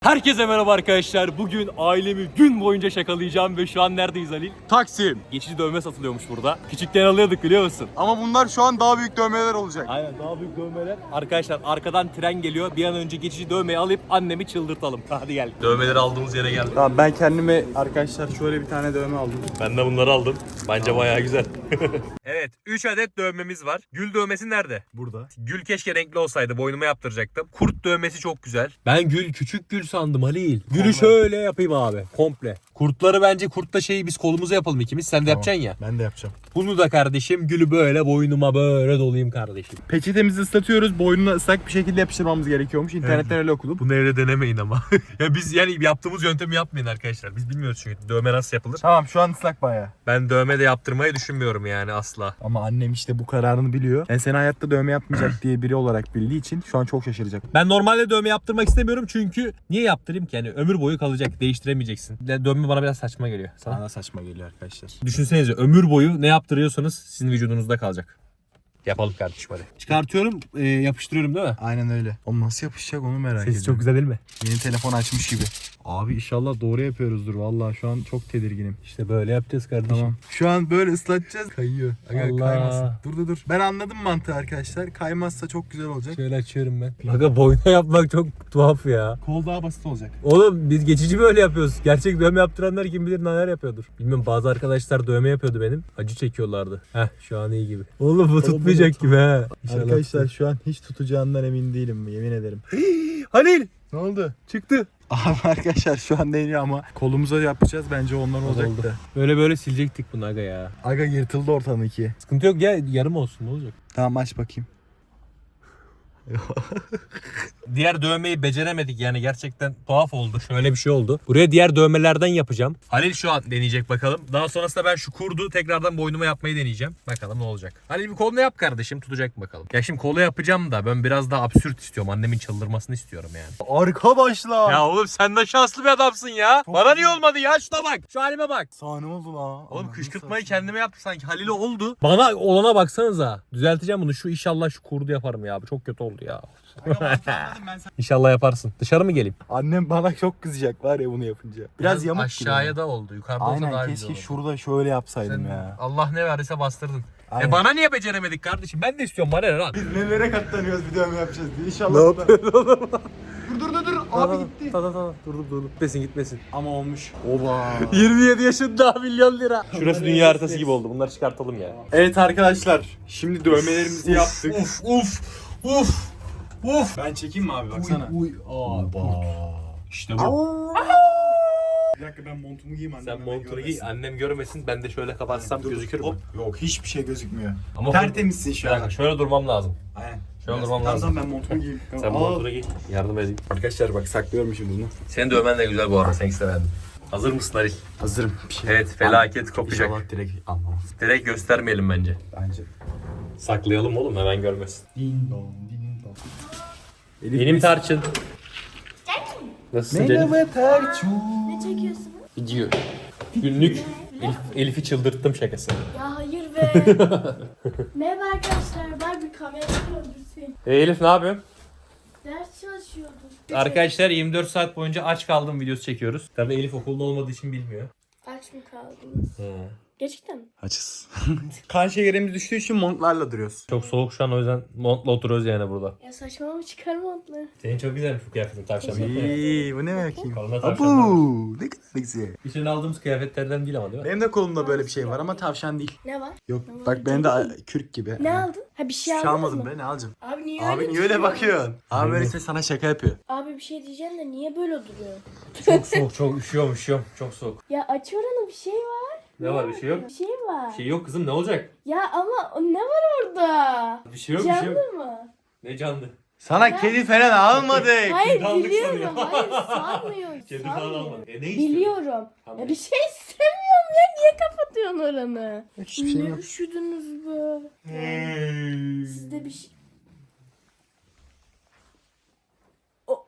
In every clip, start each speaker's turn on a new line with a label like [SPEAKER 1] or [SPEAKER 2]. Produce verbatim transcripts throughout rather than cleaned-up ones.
[SPEAKER 1] Herkese merhaba arkadaşlar. Bugün ailemi gün boyunca şakalayacağım ve şu an neredeyiz Halil?
[SPEAKER 2] Taksim.
[SPEAKER 1] Geçici dövme satılıyormuş burada. Küçükken alıyorduk biliyor musun?
[SPEAKER 2] Ama bunlar şu an daha büyük dövmeler olacak.
[SPEAKER 1] Aynen daha büyük dövmeler. Arkadaşlar arkadan tren geliyor. Bir an önce geçici dövmeyi alıp annemi çıldırtalım. Hadi gel. Dövmeleri aldığımız yere geldik.
[SPEAKER 2] Tamam ben kendime arkadaşlar şöyle bir tane dövme aldım.
[SPEAKER 1] Ben de bunları aldım. Bence bayağı güzel. Evet, üç adet dövmemiz var. Gül dövmesi nerede?
[SPEAKER 2] Burada.
[SPEAKER 1] Gül keşke renkli olsaydı. Boynuma yaptıracaktım. Kurt dövmesi çok güzel. Ben gül küçük gül sandım Halil. Gülü şöyle yapayım abi. Komple. Kurtları bence kurtla şeyi biz kolumuza yapalım ikimiz. Sen de
[SPEAKER 2] Tamam.
[SPEAKER 1] yapacaksın ya.
[SPEAKER 2] Ben de yapacağım.
[SPEAKER 1] Bunu da kardeşim gülü böyle boynuma böyle dolayayım kardeşim.
[SPEAKER 2] Peçetemizi ıslatıyoruz. Boynuna ıslak bir şekilde yapıştırmamız gerekiyormuş. İnternetten öyle okudum.
[SPEAKER 1] Bunu evde denemeyin ama. Ya biz yani yaptığımız yöntemi yapmayın arkadaşlar. Biz bilmiyoruz çünkü dövme nasıl yapılır.
[SPEAKER 2] Tamam şu an ıslak bayağı.
[SPEAKER 1] Ben dövme de yaptırmayı düşünmüyorum yani asla.
[SPEAKER 2] Ama annem işte bu kararını biliyor. Yani seni hayatta dövme yapmayacak diye biri olarak bildiği için şu an çok şaşıracak.
[SPEAKER 1] Ben normalde dövme yaptırmak istemiyorum çünkü niye yaptırayım ki? Yani ömür boyu kalacak. Değiştiremeyeceksin. Dövme bana biraz saçma geliyor. Sana?
[SPEAKER 2] Bana saçma geliyor arkadaşlar.
[SPEAKER 1] Düşünsenize ömür boyu ne yaptırıyorsanız sizin vücudunuzda kalacak. Yapalım kardeşim hadi. Çıkartıyorum, e, yapıştırıyorum değil mi?
[SPEAKER 2] Aynen öyle. O nasıl yapışacak onu merak ediyorum.
[SPEAKER 1] Sesi çok güzel değil mi?
[SPEAKER 2] Yeni telefon açmış gibi. Abi inşallah doğru yapıyoruzdur. Vallahi şu an çok tedirginim.
[SPEAKER 1] İşte böyle yapacağız kardeşim.
[SPEAKER 2] Tamam. Şu an böyle ıslatacağız. Kayıyor. Aga,
[SPEAKER 1] Allah.
[SPEAKER 2] kaymasın. Dur dur dur. Ben anladım mantığı arkadaşlar. Kaymazsa çok güzel olacak.
[SPEAKER 1] Şöyle açıyorum ben. Aga boyuna yapmak çok tuhaf ya.
[SPEAKER 2] Kol daha basit olacak.
[SPEAKER 1] Oğlum biz geçici böyle yapıyoruz. Gerçek dövme yaptıranlar kim bilir neler yapıyordur. Bilmiyorum bazı arkadaşlar dövme yapıyordu benim. Acı çekiyorlardı. Heh şu an iyi gibi. Oğlum bu tutmayacak gibi he. İnşallah
[SPEAKER 2] Arkadaşlar şu an hiç tutacağından emin değilim. Yemin ederim.
[SPEAKER 1] Halil
[SPEAKER 2] Ne oldu?
[SPEAKER 1] çıktı.
[SPEAKER 2] Abi arkadaşlar şu an deniyor ama kolumuza yapacağız. Bence onlar olacak
[SPEAKER 1] Oldu.
[SPEAKER 2] da.
[SPEAKER 1] Böyle böyle silecektik bunu aga ya.
[SPEAKER 2] Aga yırtıldı ortadan ikiye.
[SPEAKER 1] Sıkıntı yok ya yarım olsun ne olacak?
[SPEAKER 2] Tamam aç bakayım.
[SPEAKER 1] Diğer dövmeyi beceremedik yani gerçekten tuhaf oldu. Şöyle bir şey oldu. Buraya diğer dövmelerden yapacağım. Halil şu an deneyecek bakalım. Daha sonrasında ben şu kurdu tekrardan boynuma yapmayı deneyeceğim. Bakalım ne olacak. Halil bir kolunu yap kardeşim tutacak mı bakalım. Ya şimdi kolu yapacağım da ben biraz daha absürt istiyorum. Annemin çıldırmasını istiyorum yani.
[SPEAKER 2] Arkadaşlar.
[SPEAKER 1] Ya oğlum sen de şanslı bir adamsın ya. Bana niye olmadı ya? Şuna bak. Şu halime bak.
[SPEAKER 2] Sahne oldu la.
[SPEAKER 1] Oğlum kışkırtmayı kendime yaptım sanki. Halil'e oldu. Bana olana baksanıza. Düzelteceğim bunu. Şu inşallah şu kurdu yaparım ya. Bu çok kötü oldu ya. İnşallah yaparsın. Dışarı mı geleyim?
[SPEAKER 2] Annem bana çok kızacak var ya bunu yapınca. Biraz yamuk
[SPEAKER 1] aşağıya
[SPEAKER 2] gibi.
[SPEAKER 1] da oldu. Yukarıda olsa
[SPEAKER 2] Aynen
[SPEAKER 1] daha
[SPEAKER 2] keşke
[SPEAKER 1] güzel oldu.
[SPEAKER 2] şurada şöyle yapsaydım
[SPEAKER 1] Sen
[SPEAKER 2] ya.
[SPEAKER 1] Allah ne verdiyse bastırdın.
[SPEAKER 2] Aynen.
[SPEAKER 1] E bana niye beceremedik kardeşim? Ben de istiyorum bana ne lan?
[SPEAKER 2] Biz nelere katlanıyoruz bir dövme yapacağız diye. İnşallah.
[SPEAKER 1] Ne yapıyorsun oğlum?
[SPEAKER 2] Dur dur dur dur. Abi gitti.
[SPEAKER 1] Tamam tamam durdum durdum. Gitmesin gitmesin.
[SPEAKER 2] Ama olmuş. Oba.
[SPEAKER 1] yirmi yedi yaşında milyon lira. Şurası dünya haritası gibi oldu. Bunları çıkartalım ya.
[SPEAKER 2] Evet arkadaşlar. Şimdi dövmelerimizi yaptık.
[SPEAKER 1] Uf uf uf uf.
[SPEAKER 2] Ben çekeyim mi abi baksana.
[SPEAKER 1] Uy aa bak. İşte bu.
[SPEAKER 2] Bir dakika ben montumu giyeyim annem.
[SPEAKER 1] Sen
[SPEAKER 2] hemen
[SPEAKER 1] montunu giy,
[SPEAKER 2] görmesin.
[SPEAKER 1] annem görmesin. Ben de şöyle kapatsam gözükür mü?
[SPEAKER 2] Hop. Yok hiçbir şey gözükmüyor.
[SPEAKER 1] Ama
[SPEAKER 2] Tertemizsin
[SPEAKER 1] Bir
[SPEAKER 2] şu an.
[SPEAKER 1] dakika, şöyle durmam lazım.
[SPEAKER 2] Aynen.
[SPEAKER 1] Şöyle
[SPEAKER 2] Biraz-
[SPEAKER 1] durmam
[SPEAKER 2] tamam,
[SPEAKER 1] lazım.
[SPEAKER 2] Tamam ben montumu giyeyim.
[SPEAKER 1] Sen
[SPEAKER 2] Tamam.
[SPEAKER 1] montunu giy. Yardım edeyim.
[SPEAKER 2] Arkadaşlar bak saklıyorum şimdi bunu.
[SPEAKER 1] Senin dövmen de güzel bu arada. Sen istemedin. Hazır mısın Halil?
[SPEAKER 2] Hazırım. Bir şey.
[SPEAKER 1] Evet felaket kopacak.
[SPEAKER 2] İnşallah direkt anlamaz.
[SPEAKER 1] Direkt göstermeyelim bence.
[SPEAKER 2] Bence.
[SPEAKER 1] Saklayalım oğlum hemen görmesin.
[SPEAKER 2] Din don din don. Elif
[SPEAKER 1] Benim
[SPEAKER 2] biz-
[SPEAKER 1] Tarçın. Nasılsın canım?
[SPEAKER 2] Merhaba Tarçın.
[SPEAKER 3] Ne çekiyorsunuz?
[SPEAKER 1] Video. Günlük Elif, Elif'i çıldırttım şakası.
[SPEAKER 3] Ya hayır be. Merhaba arkadaşlar. Ben bir kamera öldürseyim.
[SPEAKER 1] E Elif ne yapıyorsun?
[SPEAKER 3] Ders çalışıyordum.
[SPEAKER 1] Arkadaşlar yirmi dört saat boyunca aç kaldım videosu çekiyoruz. Tabii Elif okulda olmadığı için bilmiyor.
[SPEAKER 3] Aç mı kaldınız?
[SPEAKER 1] He.
[SPEAKER 3] Gerçekten mi?
[SPEAKER 2] Açız. Kan şekerimiz düştüğü için montlarla duruyoruz.
[SPEAKER 1] Çok soğuk şu an o yüzden montla oturuyoruz yani burada.
[SPEAKER 3] Ya saçmalama çıkar montları.
[SPEAKER 1] Senin çok güzelmiş bu kıyafetin tavşan.
[SPEAKER 2] İyi bu ne bakayım?
[SPEAKER 1] Koluna tavşan
[SPEAKER 2] Abu ne kadar güzel.
[SPEAKER 1] İçine aldığımız kıyafetlerden değil ama değil mi?
[SPEAKER 2] Benim de kolumda böyle bir şey var ama tavşan değil.
[SPEAKER 3] Ne var?
[SPEAKER 2] Yok
[SPEAKER 3] Ne var?
[SPEAKER 2] bak benim de a- kürk gibi.
[SPEAKER 3] Ne aldın? Ha bir şey
[SPEAKER 2] Hiçbir şey
[SPEAKER 3] aldınız
[SPEAKER 2] almadım
[SPEAKER 3] mı?
[SPEAKER 2] be ne alacağım?
[SPEAKER 3] Abi niye
[SPEAKER 2] Abi
[SPEAKER 3] öyle
[SPEAKER 2] niye öyle
[SPEAKER 3] duruyorsun?
[SPEAKER 2] bakıyorsun? Abi böyle sana şaka yapıyor.
[SPEAKER 3] Abi bir şey diyeceğim de niye böyle duruyor?
[SPEAKER 1] Çok soğuk, çok üşüyorum, üşüyorum. Çok soğuk.
[SPEAKER 3] Ya aç oranı bir şey var.
[SPEAKER 1] Ne var, bir şey yok?
[SPEAKER 3] Bir şey var.
[SPEAKER 1] Bir şey yok kızım, ne olacak?
[SPEAKER 3] Ya ama o ne var orada?
[SPEAKER 1] Bir şey yok, bir şey
[SPEAKER 3] Canlı
[SPEAKER 1] yok.
[SPEAKER 3] mı?
[SPEAKER 1] Ne canlı?
[SPEAKER 2] Sana kedi falan almadık.
[SPEAKER 3] Hayır
[SPEAKER 1] Aldık
[SPEAKER 3] biliyorum.
[SPEAKER 1] sanıyor.
[SPEAKER 3] Hayır sanmıyor.
[SPEAKER 1] Kedi falan
[SPEAKER 3] sanmıyor.
[SPEAKER 1] almadı. E ne istiyorsun?
[SPEAKER 3] Biliyorum.
[SPEAKER 1] Tamam.
[SPEAKER 3] Ya bir şey istemiyorum ya. Niye kapatıyorsun oranı?
[SPEAKER 2] Hiçbir şey
[SPEAKER 3] ne
[SPEAKER 2] yok.
[SPEAKER 3] üşüdünüz be? Sizde bir şey... O...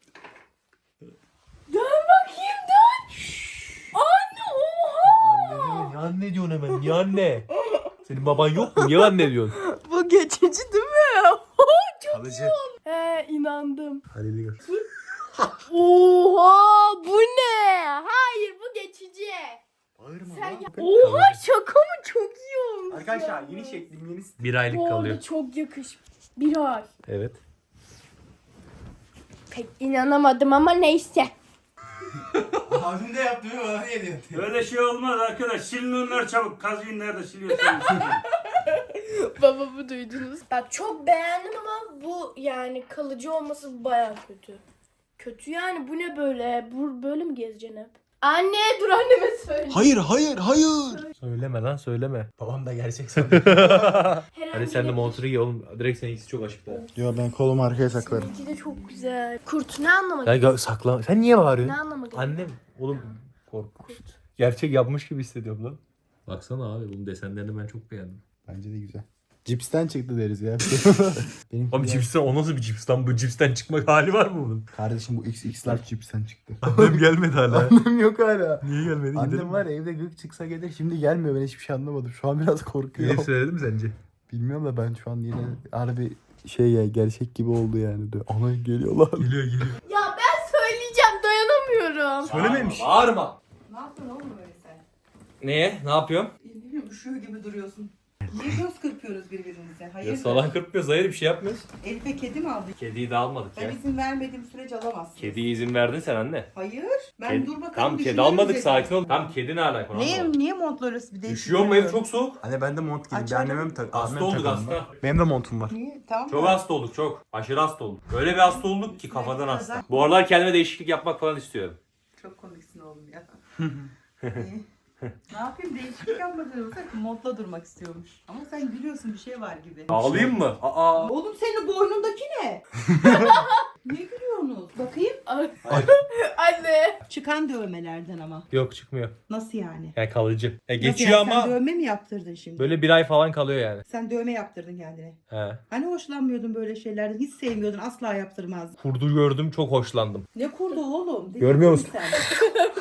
[SPEAKER 3] Dön bakayım dön. Anne oha.
[SPEAKER 1] Niye anne diyorsun hemen? Niye anne? Senin baban yok mu? Niye anne diyorsun?
[SPEAKER 3] Bu geçici değil mi? Çok
[SPEAKER 2] Kalıcı.
[SPEAKER 3] iyi oldu. He inandım.
[SPEAKER 2] Halil'i gör.
[SPEAKER 3] Oha bu ne? Hayır bu geçici.
[SPEAKER 2] Bağırma
[SPEAKER 3] Sen
[SPEAKER 2] lan.
[SPEAKER 3] ya... Oha şaka mı? Çok iyi olmuş.
[SPEAKER 2] Arkadaşlar yeni şeklim yeni
[SPEAKER 1] Bir aylık
[SPEAKER 3] Bu arada
[SPEAKER 1] kalıyor.
[SPEAKER 3] çok yakış. Bir ay.
[SPEAKER 1] Evet.
[SPEAKER 3] Pek inanamadım ama neyse.
[SPEAKER 2] Abim de yaptı mı bana niye diyor?
[SPEAKER 4] Öyle şey olmaz arkadaş. Silin onları çabuk. Kazıyın nerede siliyorsanız.
[SPEAKER 3] Babamı duydunuz. Bak çok beğendim ama bu yani kalıcı olması baya kötü. Kötü yani bu ne böyle? Bu böyle mi gezeceksin hep? Anne dur anneme söyle.
[SPEAKER 2] Hayır hayır hayır.
[SPEAKER 1] Söyleme lan söyleme.
[SPEAKER 2] Babam da gerçek sanıyor.
[SPEAKER 3] Herhangi
[SPEAKER 1] Hadi sen de
[SPEAKER 3] bir-
[SPEAKER 1] montunu giy oğlum. Direkt senin ikisi çok aşıklı.
[SPEAKER 2] Yo ben kolumu arkaya saklarım.
[SPEAKER 3] Seninki de çok güzel. Kurt ne anlama
[SPEAKER 1] Ya
[SPEAKER 3] geliyor?
[SPEAKER 1] ga- sakla. Sen niye
[SPEAKER 3] Ne
[SPEAKER 1] bağırıyorsun?
[SPEAKER 3] anlama geliyor?
[SPEAKER 1] Annem. Oğlum korkunç. Gerçek yapmış gibi hissediyorum lan. Baksana abi bunun desenlerini ben çok beğendim.
[SPEAKER 2] Bence de güzel. Cipsten çıktı deriz ya. Benim
[SPEAKER 1] Oğlum cipsten o nasıl bir cips lan? Bu cipsten çıkmak hali var mı bunun?
[SPEAKER 2] Kardeşim bu X X large cipsten çıktı.
[SPEAKER 1] Annem gelmedi hala.
[SPEAKER 2] Annem yok hala.
[SPEAKER 1] Niye gelmedi?
[SPEAKER 2] Annem var ya, evde gık çıksa gelir, şimdi gelmiyor, ben hiçbir şey anlamadım. Şu an biraz korkuyorum.
[SPEAKER 1] söyledi mi sence?
[SPEAKER 2] Bilmiyorum da ben şu an yine harbi şey ya, gerçek gibi oldu yani. De. Ana geliyorlar.
[SPEAKER 1] Geliyor geliyor.
[SPEAKER 3] Ya ben söyleyeceğim dayanamıyorum.
[SPEAKER 2] Söylememiş.
[SPEAKER 1] Bağırma.
[SPEAKER 5] Ne yaptın oğlum öyle sen?
[SPEAKER 1] Neye? Ne yapıyorum?
[SPEAKER 5] Bilmiyorum üşüyor gibi duruyorsun. Niye göz kırpıyoruz birbirimize? Hayır.
[SPEAKER 1] Ya salak kırpmıyoruz. Hayır bir şey yapmıyoruz.
[SPEAKER 5] Elif'e kedi mi aldık?
[SPEAKER 1] Kediyi de almadık
[SPEAKER 5] Ben
[SPEAKER 1] ya.
[SPEAKER 5] izin vermediğim sürece alamazsın.
[SPEAKER 1] Kediye izin verdin sen anne.
[SPEAKER 5] Hayır. Ben
[SPEAKER 1] Kedi-
[SPEAKER 5] dur bakalım.
[SPEAKER 1] Tamam kedi
[SPEAKER 5] düşünürüm
[SPEAKER 1] almadık
[SPEAKER 5] dedim.
[SPEAKER 1] sakin ol. Tamam kedi ne alaka?
[SPEAKER 5] Niye, niye montla öyle bir değişik?
[SPEAKER 1] Üşüyor mu ev çok soğuk?
[SPEAKER 2] Anne ben de mont giydim. Bir
[SPEAKER 5] Açalım.
[SPEAKER 2] anneme mi tak?
[SPEAKER 1] Hasta
[SPEAKER 2] abime mi
[SPEAKER 1] olduk
[SPEAKER 2] takalım
[SPEAKER 1] hasta.
[SPEAKER 2] ben? Benim de montum var.
[SPEAKER 5] Niye? Tamam
[SPEAKER 1] Çok
[SPEAKER 5] mı?
[SPEAKER 1] hasta olduk çok. Aşırı hasta olduk. Öyle bir hasta olduk ki kafadan hasta. Bu aralar kendime değişiklik yapmak falan istiyorum.
[SPEAKER 5] Çok komiksin oğlum ya. İyi. Ne yapayım, değişiklik yapmak olsa montla durmak istiyormuş. Ama sen gülüyorsun, bir şey var gibi.
[SPEAKER 1] Ağlayayım mı? Aa.
[SPEAKER 5] Oğlum senin boynundaki ne? Niye gülüyorsunuz? Bakayım.
[SPEAKER 3] Anne.
[SPEAKER 5] Çıkan dövmelerden ama.
[SPEAKER 1] Yok çıkmıyor.
[SPEAKER 5] Nasıl yani?
[SPEAKER 1] Yani kalıcı. E,
[SPEAKER 5] Nasıl
[SPEAKER 1] geçiyor
[SPEAKER 5] yani?
[SPEAKER 1] ama
[SPEAKER 5] Sen dövme mi yaptırdın şimdi?
[SPEAKER 1] böyle bir ay falan kalıyor yani.
[SPEAKER 5] Sen dövme yaptırdın kendine.
[SPEAKER 1] He.
[SPEAKER 5] Hani hoşlanmıyordun böyle şeylerden? Hiç sevmiyordun, asla yaptırmazdın.
[SPEAKER 1] Kurdu gördüm çok hoşlandım.
[SPEAKER 5] Ne kurdu oğlum? Deli
[SPEAKER 1] Görmüyor
[SPEAKER 5] misin
[SPEAKER 1] musun?
[SPEAKER 5] Sen?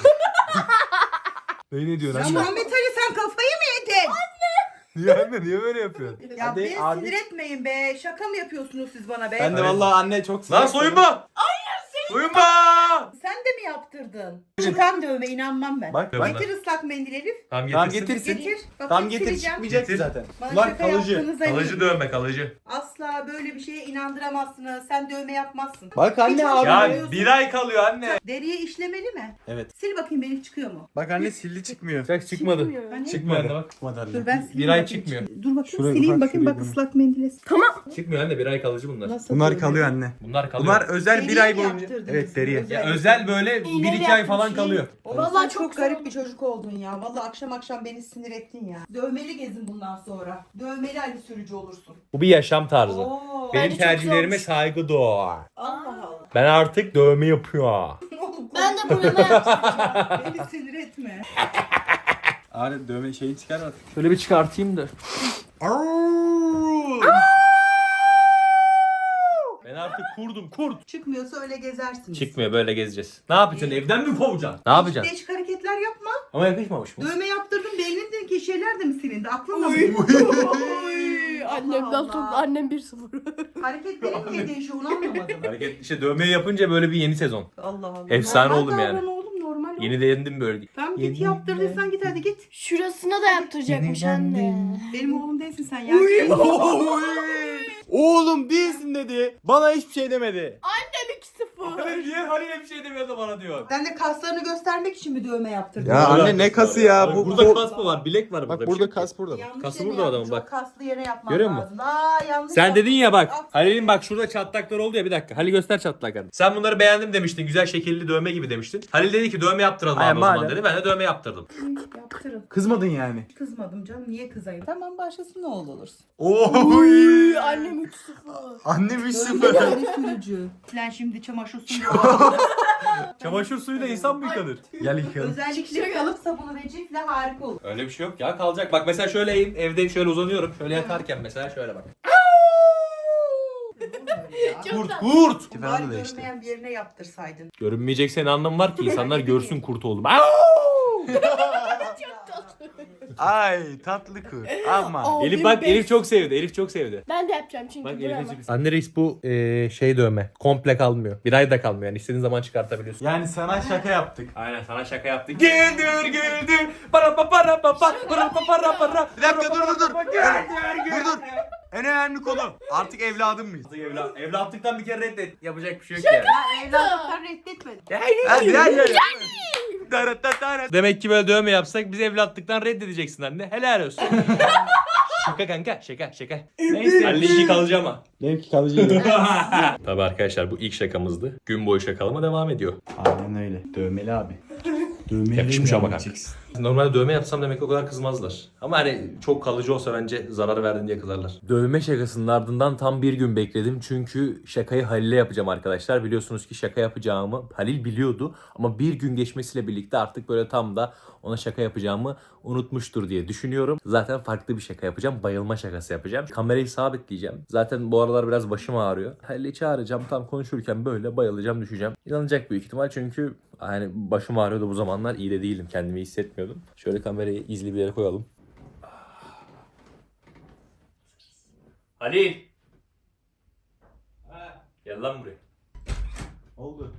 [SPEAKER 2] Ne ne diyorsun
[SPEAKER 5] Ya
[SPEAKER 2] anne?
[SPEAKER 5] Muhammed Ali sen kafayı mı yedin?
[SPEAKER 2] Niye anne, niye böyle yapıyorsun?
[SPEAKER 5] Ya
[SPEAKER 2] Hadi
[SPEAKER 5] beni
[SPEAKER 2] abi.
[SPEAKER 5] sinir etmeyin be. Şaka mı yapıyorsunuz siz bana be?
[SPEAKER 2] Ben de vallahi anne çok
[SPEAKER 1] Lan soyunma! Hayır soyunma!
[SPEAKER 5] Sen de mi yaptırdın? Çıkan dövme, inanmam ben.
[SPEAKER 2] Bak
[SPEAKER 1] bak.
[SPEAKER 5] Getir ıslak mendil Elif.
[SPEAKER 1] Tamam
[SPEAKER 2] Tamam
[SPEAKER 1] getirsin.
[SPEAKER 2] getirsin.
[SPEAKER 5] Getir. Bakayım,
[SPEAKER 2] Tam getir,
[SPEAKER 5] sileceğim.
[SPEAKER 2] çıkmayacak ki
[SPEAKER 1] Getir.
[SPEAKER 2] zaten.
[SPEAKER 5] Bana
[SPEAKER 2] Bunlar
[SPEAKER 5] şaka
[SPEAKER 2] kalıcı.
[SPEAKER 5] yaptığınıza
[SPEAKER 1] Kalıcı
[SPEAKER 5] eminim.
[SPEAKER 1] dövme kalıcı.
[SPEAKER 5] Asla böyle bir şeye inandıramazsınız. Sen dövme yapmazsın.
[SPEAKER 2] Bak anne
[SPEAKER 5] Hiç
[SPEAKER 2] abi.
[SPEAKER 5] hoşlanmıyorsun.
[SPEAKER 1] Ya bir ay kalıyor anne.
[SPEAKER 5] Deriye işlemeli mi?
[SPEAKER 2] Evet.
[SPEAKER 5] Sil bakayım Elif, çıkıyor mu?
[SPEAKER 2] Bak anne sildi çıkmıyor.
[SPEAKER 1] Çak çıkmadı.
[SPEAKER 3] Çıkmıyor.
[SPEAKER 5] Hani?
[SPEAKER 1] Çıkmıyor anne bak.
[SPEAKER 2] Çıkmadı anne.
[SPEAKER 5] Dur ben sileyim.
[SPEAKER 1] Bir ay
[SPEAKER 5] bakayım.
[SPEAKER 1] çıkmıyor.
[SPEAKER 5] Dur bakayım
[SPEAKER 2] Şuraya
[SPEAKER 5] sileyim
[SPEAKER 2] bak,
[SPEAKER 5] bakayım
[SPEAKER 2] şuraya
[SPEAKER 5] bak
[SPEAKER 2] bak.
[SPEAKER 5] ıslak mendile.
[SPEAKER 1] Çıkmıyor anne bir ay kalıcı bunlar.
[SPEAKER 5] Nasıl
[SPEAKER 2] Bunlar
[SPEAKER 5] dövme?
[SPEAKER 2] kalıyor anne.
[SPEAKER 1] Bunlar kalıyor.
[SPEAKER 2] Bunlar özel bir
[SPEAKER 5] Deriye
[SPEAKER 2] ay
[SPEAKER 5] mi
[SPEAKER 2] boyunca.
[SPEAKER 5] yaptırdınız?
[SPEAKER 2] Evet deriye.
[SPEAKER 5] Özel.
[SPEAKER 1] ya özel böyle bir
[SPEAKER 3] İğneyle
[SPEAKER 1] iki ay falan
[SPEAKER 3] yapmış,
[SPEAKER 1] kalıyor.
[SPEAKER 5] Oğlum
[SPEAKER 3] Vallahi
[SPEAKER 5] sen
[SPEAKER 3] çok
[SPEAKER 5] çok garip
[SPEAKER 3] zor.
[SPEAKER 5] bir çocuk oldun ya. Vallahi akşam akşam beni sinir ettin ya. Dövmeli gezin bundan sonra. Dövmeli Ali sürücü olursun.
[SPEAKER 1] Bu bir yaşam tarzı.
[SPEAKER 5] Oo.
[SPEAKER 1] Benim
[SPEAKER 3] Bence çok
[SPEAKER 1] tercihlerime
[SPEAKER 3] zormuş.
[SPEAKER 1] saygı doğar.
[SPEAKER 5] Allah Allah.
[SPEAKER 1] Ben artık dövme yapıyorum.
[SPEAKER 5] Oğlum
[SPEAKER 3] Ben de bunu yapacağım.
[SPEAKER 5] beni sinir etme.
[SPEAKER 2] Abi dövme şeyi çıkar artık.
[SPEAKER 1] Şöyle bir çıkartayım da. Ben artık kurdum kurt.
[SPEAKER 5] Çıkmıyorsa öyle gezersiniz.
[SPEAKER 1] Çıkmıyor böyle gezeceğiz. Ne yapacaksın evden mi kovacaksın? Ne yapacaksın?
[SPEAKER 5] Değişik hareketler yapma.
[SPEAKER 1] Ama yakışmamış mı?
[SPEAKER 5] Dövme yaptırdım, beynindeki şeyler de mi silindi? Aklınla mı?
[SPEAKER 3] Oy, Annemden
[SPEAKER 5] Allah.
[SPEAKER 3] sonra annem bir sıfır.
[SPEAKER 5] Hareketlerin niye değişiyor onu anlamadım.
[SPEAKER 1] Hareket işte dövmeyi yapınca böyle bir yeni sezon.
[SPEAKER 5] Allah Allah.
[SPEAKER 1] Efsane
[SPEAKER 5] Normal
[SPEAKER 1] oldum yani.
[SPEAKER 5] davran oğlum, normal ol.
[SPEAKER 1] Yeni değindim böyle.
[SPEAKER 5] Tamam
[SPEAKER 1] Yeni
[SPEAKER 5] git yaptırdıysan git hadi git.
[SPEAKER 3] Şurasına da yaptıracakmış anne.
[SPEAKER 5] Benim oğlum değilsin sen ya.
[SPEAKER 2] Oğlum değilsin dedi. Bana hiçbir şey demedi.
[SPEAKER 3] Annem iki sıfır.
[SPEAKER 1] Niye Halil'e bir şey demiyordu bana diyor.
[SPEAKER 5] Sen de kaslarını göstermek için mi dövme yaptırdın?
[SPEAKER 2] Ya anne ne kası ya? Bu,
[SPEAKER 1] burada
[SPEAKER 2] bu-
[SPEAKER 1] kas mı var? Bilek var burada.
[SPEAKER 2] Bak
[SPEAKER 1] bir
[SPEAKER 2] burada
[SPEAKER 1] şey.
[SPEAKER 2] kas burada.
[SPEAKER 5] Yanlış
[SPEAKER 1] Kası
[SPEAKER 5] yere
[SPEAKER 1] burada
[SPEAKER 5] yaptın,
[SPEAKER 1] adamın, bak.
[SPEAKER 5] Çok kaslı yere yapman
[SPEAKER 1] Görüyor musun?
[SPEAKER 5] lazım. Aa yanlış
[SPEAKER 1] Sen
[SPEAKER 5] yaptın.
[SPEAKER 1] dedin ya bak.
[SPEAKER 5] Aferin.
[SPEAKER 1] Halil'in bak şurada çatlaklar oldu ya bir dakika. Halil göster çatlaklarını. Sen bunları beğendim demiştin. Güzel şekilli dövme gibi demiştin. Halil dedi ki dövme yaptıralım
[SPEAKER 2] Ay,
[SPEAKER 1] abi o zaman
[SPEAKER 2] madem.
[SPEAKER 1] dedi. Ben de dövme yaptırdım.
[SPEAKER 5] Yaptırın.
[SPEAKER 2] Kızmadın yani.
[SPEAKER 5] Kızmadım canım, niye kızayım? Tamam başkası ne oğlu olursun.
[SPEAKER 2] Oy.
[SPEAKER 3] Annem üç sıfır.
[SPEAKER 2] Annem üç
[SPEAKER 5] Dövme
[SPEAKER 2] sıfır.
[SPEAKER 5] yani sürücü. Sen şimdi çamaşır suyu
[SPEAKER 1] Çamaşır suyuyla insan mı yıkanır?
[SPEAKER 2] Gel yıkayalım.
[SPEAKER 5] özellikle kalıp sabunu ve cifle harika olur.
[SPEAKER 1] Öyle bir şey yok ya kalacak. Bak mesela şöyle eğim, evde şöyle uzanıyorum. Şöyle yatarken mesela şöyle bak. Kurt kurt.
[SPEAKER 2] Falan da
[SPEAKER 5] Bari
[SPEAKER 2] değişti.
[SPEAKER 5] görmeyen bir yerine yaptırsaydın.
[SPEAKER 1] Görünmeyecekse ne anlamı var ki? İnsanlar görsün kurt oldum.
[SPEAKER 2] Ay tatlı kız. Ama.
[SPEAKER 1] Elif bak Elif çok sevdi. Elif çok sevdi.
[SPEAKER 3] Ben de yapacağım çünkü
[SPEAKER 1] Bak
[SPEAKER 3] buramı.
[SPEAKER 1] Elif'e Anne reis bu eee, şey dövme. Komple kalmıyor. Bir ay da kalmıyor yani. İstediğin zaman çıkartabiliyorsun.
[SPEAKER 2] Yani sana şaka yaptık.
[SPEAKER 1] Aynen sana şaka yaptık. Güldür güldür. Para pa para pa pa para pa para para.
[SPEAKER 2] Bir dakika dur dur dur. Dur dur. En önemli konu. Artık evladım mıyız?
[SPEAKER 1] Evlat, evlatlıktan bir kere reddet. Yapacak bir şey yok yani.
[SPEAKER 5] Ya evlatlıktan reddetmedim.
[SPEAKER 2] Hadi hadi hadi. Darat darat.
[SPEAKER 1] Demek ki böyle dövme yapsak biz evlatlıktan reddedeceksin anne. Helal olsun. Şaka kanka şaka şaka. Neyse. Halil işi kalıcı ama.
[SPEAKER 2] Benimki kalıcı.
[SPEAKER 1] Tabii arkadaşlar bu ilk şakamızdı. Gün boyu şakalama devam ediyor.
[SPEAKER 2] Aynen öyle. Dövmeli abi. Dövmeli
[SPEAKER 1] Yakışmış ama kanka.
[SPEAKER 2] yapacaksın.
[SPEAKER 1] Normalde dövme yapsam demek o kadar kızmazlar. Ama hani çok kalıcı olsa bence zarar verdin diye kızarlar. Dövme şakasının ardından tam bir gün bekledim. Çünkü şakayı Halil'e yapacağım arkadaşlar. Biliyorsunuz ki şaka yapacağımı Halil biliyordu. Ama bir gün geçmesiyle birlikte artık böyle tam da ona şaka yapacağımı unutmuştur diye düşünüyorum. Zaten farklı bir şaka yapacağım. Bayılma şakası yapacağım. Kamerayı sabitleyeceğim. Zaten bu aralar biraz başım ağrıyor. Halil'i çağıracağım. Tam konuşurken böyle bayılacağım, düşeceğim. İnanacak büyük ihtimal çünkü hani başım ağrıyordu bu zamanlar. İyi de değilim. Kendimi iyi hissetmiyordum. Şöyle kamerayı izli bir yere koyalım. Halil! Gel lan buraya.
[SPEAKER 2] Oldu.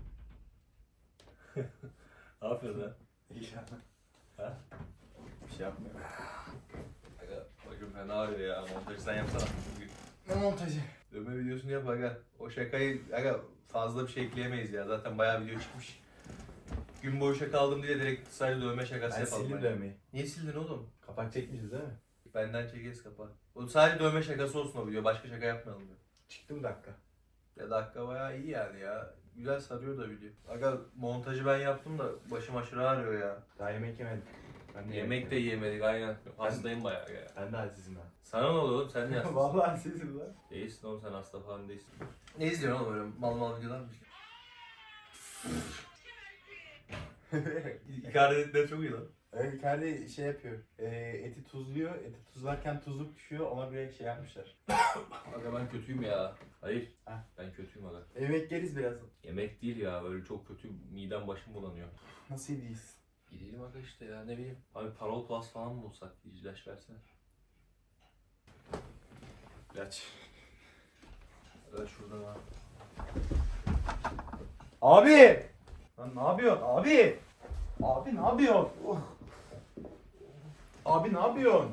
[SPEAKER 1] Ne yapıyorsun lan?
[SPEAKER 2] Ha? Bir şey yapmıyorum.
[SPEAKER 1] Aga başım fena ağrıyor ya. Montajı sen yapsana.
[SPEAKER 2] Ne montajı?
[SPEAKER 1] Dövme videosunu yap aga. O şakayı aga fazla bir şey ekleyemeyiz ya. Zaten bayağı video çıkmış. Gün boyu şaka aldım diye direkt sadece dövme şakası
[SPEAKER 2] Ben
[SPEAKER 1] yapalım.
[SPEAKER 2] sildim
[SPEAKER 1] yani.
[SPEAKER 2] dövmeyi.
[SPEAKER 1] Niye sildin oğlum?
[SPEAKER 2] Kapak çekmişiz değil mi?
[SPEAKER 1] Benden çekeriz kapağı. O sadece dövme şakası olsun o video. Başka şaka yapmayalım diyor.
[SPEAKER 2] Çıktı mı dakika?
[SPEAKER 1] Ya dakika bayağı iyi yani ya. Güzel sarıyor da video. Aga montajı ben yaptım da başım aşırı ağrıyor ya.
[SPEAKER 2] Daha yemek yemedim. Ben de
[SPEAKER 1] Yemek de yiyemedik aynen. Hastayım bayağı ya.
[SPEAKER 2] Ben de acizim ben.
[SPEAKER 1] Sana ne oluyor oğlum? Sen ne hastasın?
[SPEAKER 2] Vallahi acizim lan.
[SPEAKER 1] Değilsin oğlum, sen hasta falan değilsin. Ne izliyorsun oğlum öyle mal mal videolar mı? İkaretler çok iyi lan.
[SPEAKER 2] Evet Icardi şey yapıyor. E, eti tuzluyor. Eti tuzlarken tuzluk düşüyor. Ona bir şey yapmışlar.
[SPEAKER 1] Aga ben kötüyüm ya. Hayır.
[SPEAKER 2] Heh.
[SPEAKER 1] Ben kötüyüm aga.
[SPEAKER 2] Yemek yeriz birazdan.
[SPEAKER 1] Yemek değil ya, böyle çok kötü, midem başım bulanıyor.
[SPEAKER 2] Nasıl iyiyiz?
[SPEAKER 1] Gidelim aga işte ya, ne bileyim. Abi Parol Plus falan mı bulsak? İlaç versene. İlaç. Evet şurada var.
[SPEAKER 2] Abi! Lan ne yapıyorsun? Abi! Abi ne yapıyorsun? Oh. Abi ne yapıyorsun?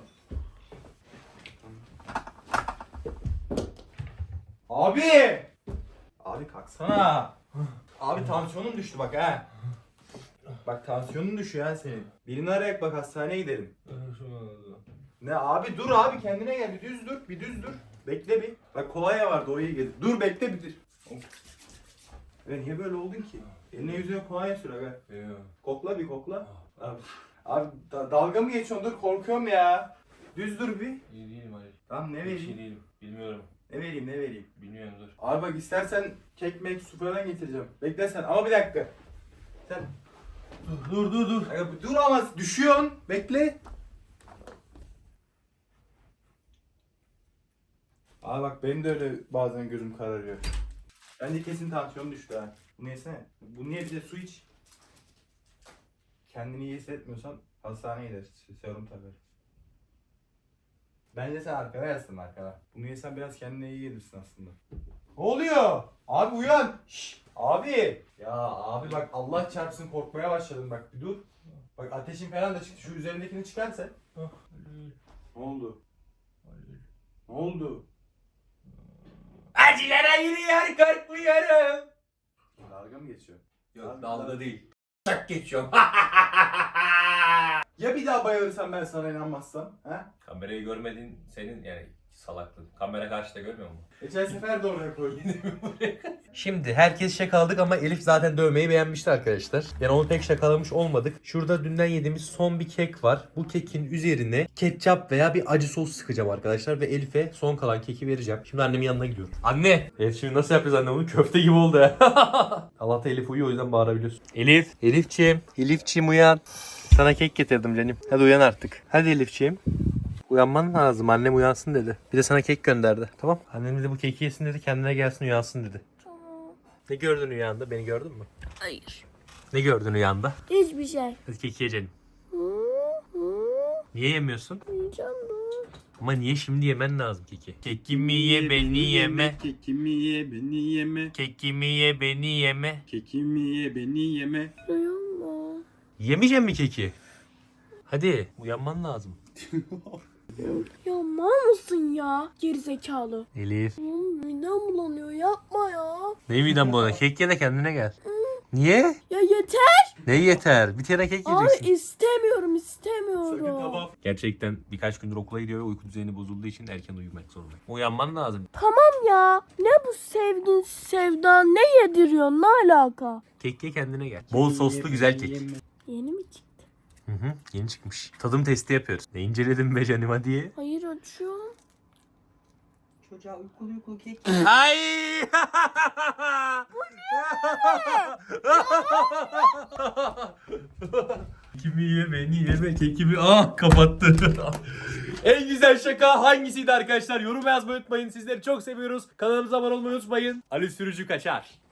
[SPEAKER 2] Abi! Abi kalksana. Abi tansiyonun düştü bak ha. Bak tansiyonun düşüyor ha senin. Birini arayak bak hastaneye gidelim. Ne abi dur abi kendine gel, bir düz dur, bir düz dur. Bekle bir. Bak kolonya vardı o iyi gelir. Dur bekle bir dur. Ya niye böyle oldun ki? Eline yüzüne kolonya sür aga. Kokla bir kokla. Abi, abi da- dalga mı geçiyorsun? Dur korkuyorum ya. Düz dur bir.
[SPEAKER 1] İyi değilim Ali.
[SPEAKER 2] Tamam ne
[SPEAKER 1] Bir şey
[SPEAKER 2] vereyim?
[SPEAKER 1] değilim. Bilmiyorum.
[SPEAKER 2] Ne vereyim ne vereyim?
[SPEAKER 1] Bilmiyorum dur.
[SPEAKER 2] Abi bak istersen kek mek su falan getireceğim. Bekle sen ama bir dakika. Sen dur dur dur. Aga, dur ama düşüyorsun. Bekle. Abi bak benim de öyle bazen gözüm kararıyor. Bence kesin tansiyonum düştü ha. Bunu yesene. Bunu niye bize su iç. Kendini iyi hissetmiyorsan hastaneye gideriz. Serum takarız. Bence sen arkada yatsın arkada. Bunu yesen biraz kendine iyi gelirsin aslında. Ne oluyor? Abi uyan. Şşş. Abi. Ya abi bak Allah çarpsın korkmaya başladım bak bir dur. Bak ateşin falan da çıktı. Şu üzerindekini çıkar sen. Ne oldu? Ne oldu?
[SPEAKER 1] Acılara yürüyor, korkmuyorum.
[SPEAKER 2] Dalga mı geçiyor?
[SPEAKER 1] Yok dalga değil. Şak geçiyorum.
[SPEAKER 2] Ya bir daha bayılırsan ben sana inanmazsam? He?
[SPEAKER 1] Kamerayı görmediğin senin yani salaklığın. Kamera karşıda görmüyor musun?
[SPEAKER 2] Geçen sefer de oraya koydum.
[SPEAKER 1] Şimdi herkes şakaladık ama Elif zaten dövmeyi beğenmişti arkadaşlar. Yani onu pek şakalamış olmadık. Şurada dünden yediğimiz son bir kek var. Bu kekin üzerine ketçap veya bir acı sos sıkacağım arkadaşlar. Ve Elif'e son kalan keki vereceğim. Şimdi annemin yanına gidiyorum. Anne! Elif şimdi nasıl yapacağız anne bunu? Köfte gibi oldu ya. Allah'ta Elif uyuyor o yüzden bağırabiliyorsun. Elif! Elifçiğim! Elifçiğim uyan! Sana kek getirdim canım. Hadi uyan artık. Hadi Elifçiğim. Uyanman lazım. Annem uyansın dedi. Bir de sana kek gönderdi. Tamam. Annem de bu keki yesin dedi. Kendine gelsin uyansın dedi.
[SPEAKER 3] Tamam.
[SPEAKER 1] Ne gördün rüyanda? Beni gördün mü?
[SPEAKER 3] Hayır.
[SPEAKER 1] Ne gördün rüyanda?
[SPEAKER 3] Hiçbir şey.
[SPEAKER 1] Hadi keki yiyelim.
[SPEAKER 3] Hı hı.
[SPEAKER 1] Niye yemiyorsun?
[SPEAKER 3] Yiyeceğim dur.
[SPEAKER 1] Ama niye şimdi yemen lazım keki? Kekimi ye beni yeme.
[SPEAKER 6] Kekimi ye beni yeme.
[SPEAKER 1] Kekimi ye beni yeme.
[SPEAKER 6] Kekimi ye beni yeme.
[SPEAKER 3] Duyuyor mu?
[SPEAKER 1] Yemeyecek mi keki? Hadi uyanman lazım.
[SPEAKER 3] Ya mal mısın ya? Gerizekalı.
[SPEAKER 1] Elif.
[SPEAKER 3] Oğlum midem bulanıyor yapma ya.
[SPEAKER 1] Ne miden bu? Kek ye de kendine gel. Niye?
[SPEAKER 3] Ya yeter.
[SPEAKER 1] Ne yeter? Bir tane kek
[SPEAKER 3] Abi
[SPEAKER 1] yiyeceksin.
[SPEAKER 3] istemiyorum istemiyorum.
[SPEAKER 1] Gerçekten birkaç gündür okula gidiyor ve uyku düzeni bozulduğu için erken uyumak zorunda. Uyanman lazım.
[SPEAKER 3] Tamam ya. Ne bu sevgin sevdan ne yediriyorsun ne alaka?
[SPEAKER 1] Kek ye kendine gel. Bol soslu güzel kek.
[SPEAKER 3] Yeni mi çıktı?
[SPEAKER 1] Hı hı, yeni çıkmış. Tadım testi yapıyoruz. Ne inceledin be canım hadi.
[SPEAKER 3] Hayır açıyorum.
[SPEAKER 5] Çocuğa uykulu uykulu kek.
[SPEAKER 1] Ay! Kimi ye beni yeme kekimi. Ah kapattı. En güzel şaka hangisiydi arkadaşlar? Yorum yazmayı unutmayın. Sizleri çok seviyoruz. Kanalımıza abone olmayı unutmayın. Ali Sürücü kaçar.